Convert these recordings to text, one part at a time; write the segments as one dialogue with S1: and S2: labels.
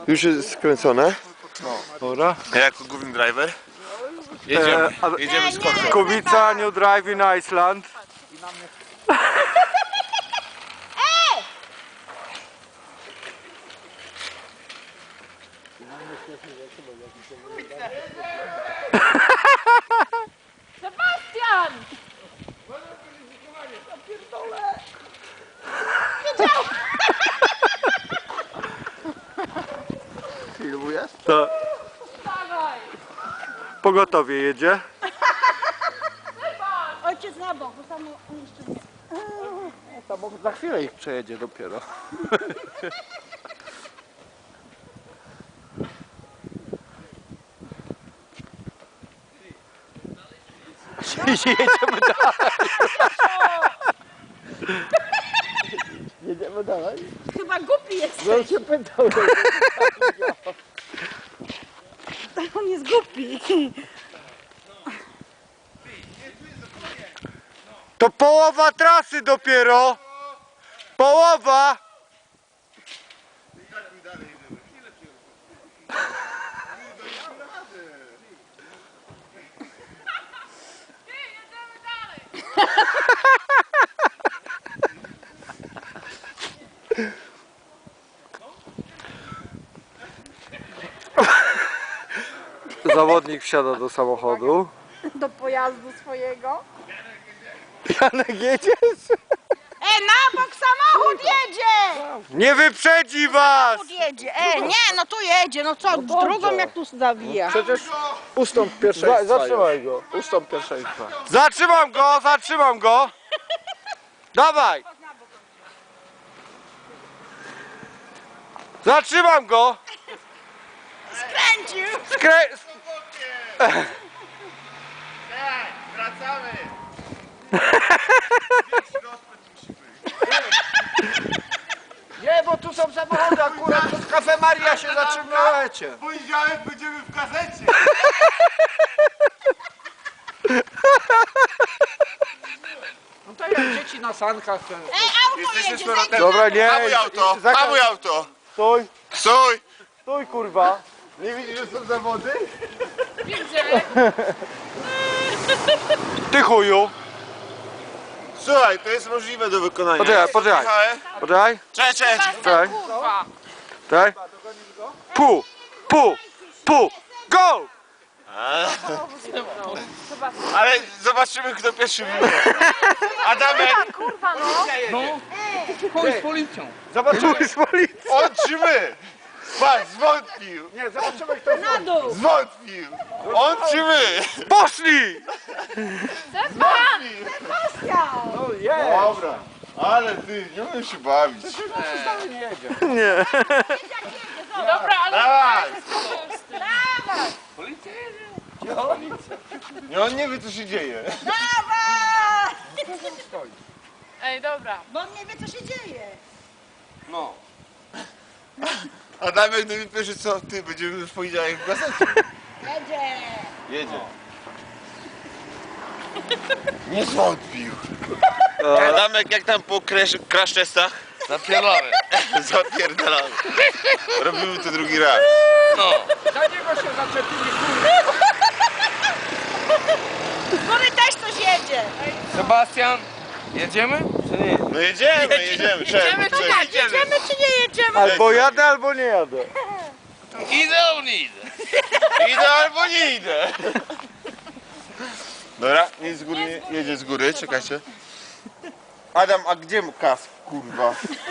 S1: Już jest skręcone.
S2: Dobra.
S1: Ja jako główny driver. Jedziemy z koksem.
S2: Kubica, New Drive in Iceland.
S3: Sebastian!
S1: Filmujesz?
S2: To
S3: Dawaj!
S2: pogotowie jedzie.
S3: Ojciec na bok, bo samo on jeszcze nie.
S4: Samochód za chwilę ich przejedzie dopiero. Jedziemy dalej. Jedziemy dalej.
S3: Chyba głupi jest.
S4: No się pytał.
S3: On jest głupi.
S2: To połowa trasy dopiero. Połowa. Zawodnik wsiada do samochodu.
S3: Do pojazdu swojego.
S2: Janek, jedziesz?
S3: Na bok samochód jedzie!
S2: Nie wyprzedzi was!
S3: Samochód jedzie. Nie, no tu jedzie, no co, w drugą jak tu zawija.
S4: Przecież ustąp pierwszeństwa.
S2: Zatrzymaj go.
S4: Ustąp pierwszeństwa.
S2: Zatrzymam go, zatrzymam go. Dawaj. Zatrzymam go.
S3: Kręcił!
S1: Wracamy!
S4: Nie, bo tu są samochody, akurat w Cafe Maria się zatrzymujecie.
S1: W poniedziałek będziemy w gazecie!
S4: No to jak dzieci na sankach.
S3: Auto
S1: Jesteśmy
S3: jedzie,
S1: z powrotem.
S2: Dobra, nie.
S1: Hamuj auto! Hamuj auto!
S2: Stój,
S1: Stój!
S2: stój kurwa.
S1: Nie widzisz, że są zawody?
S2: Ty chuju.
S1: Słuchaj, to jest możliwe do wykonania.
S2: Poczekaj, poczekaj.
S1: Michale?
S2: Poczekaj,
S1: Cześć!
S2: poczekaj. Tak? Pu, go!
S1: Ale zobaczymy, kto pierwszy wyjdzie. Adamek!
S3: kurwa no.
S4: Chuj z policją.
S2: Zobaczymy z policji.
S1: On czy my? Patrz, zwątpił!
S4: Nie, zobaczymy kto
S3: Na dół.
S1: Zwątpił! On czy my?
S2: Poszli!
S3: Sebastian!
S4: No jest.
S1: Dobra, ale ty, nie umiem się bawić.
S4: Nie jedzie.
S2: Nie.
S3: Dobra, ale
S1: Dawaj!
S3: dawaj!
S1: Nie, on nie wie, co się dzieje.
S3: Dawaj!
S5: Ej, dobra.
S3: Bo on nie wie co się dzieje.
S4: No.
S1: Adamek do mnie pierwszy co? Ty, będziemy w poniedziałek w gazecie.
S3: Jedzie!
S1: Jedzie. Nie zwątpił. Adamek, jak tam po crash testach?
S4: Zapierdolamy.
S1: Zapierdalamy. Robimy to drugi raz.
S4: Za niego się zaczepili.
S3: Bo my też coś jedzie.
S4: Sebastian, jedziemy? Czy nie?
S1: No jedziemy.
S5: Jedziemy,
S1: Czemu?
S5: czy
S3: Tak, jedziemy czy nie jedziemy?
S2: Albo jadę, albo nie jadę.
S4: Idę, on idę.
S1: Idę albo nie idę. Dobra, nie z góry, jedzie z góry, czekajcie. Adam, a gdzie mu kask, kurwa?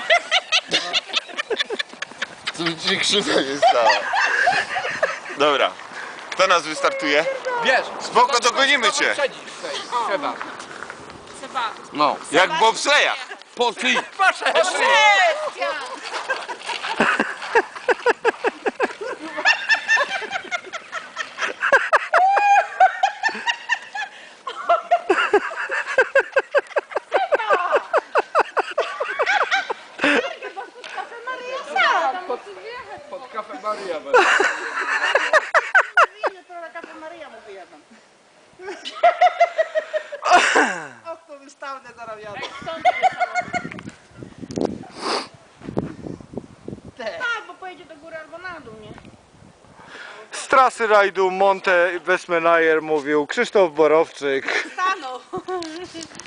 S1: Co mi ci krzywda nie stała? Dobra, kto nas wystartuje?
S4: Wiesz.
S1: Spoko, dogonimy cię.
S4: Trzeba.
S5: Seba.
S4: No.
S1: Jak w bobslejach.
S4: Po ty.
S3: Sebastian!
S4: Pod Cafe Maria.
S3: To na Cafe Maria mu wyjadę.
S4: Okno wystawne zaraz jadę.
S3: Tak, bo pojedzie do do góry albo na dół, nie?
S2: Z trasy rajdu Monte Westmenajer mówił Krzysztof Borowczyk.
S3: Stanął.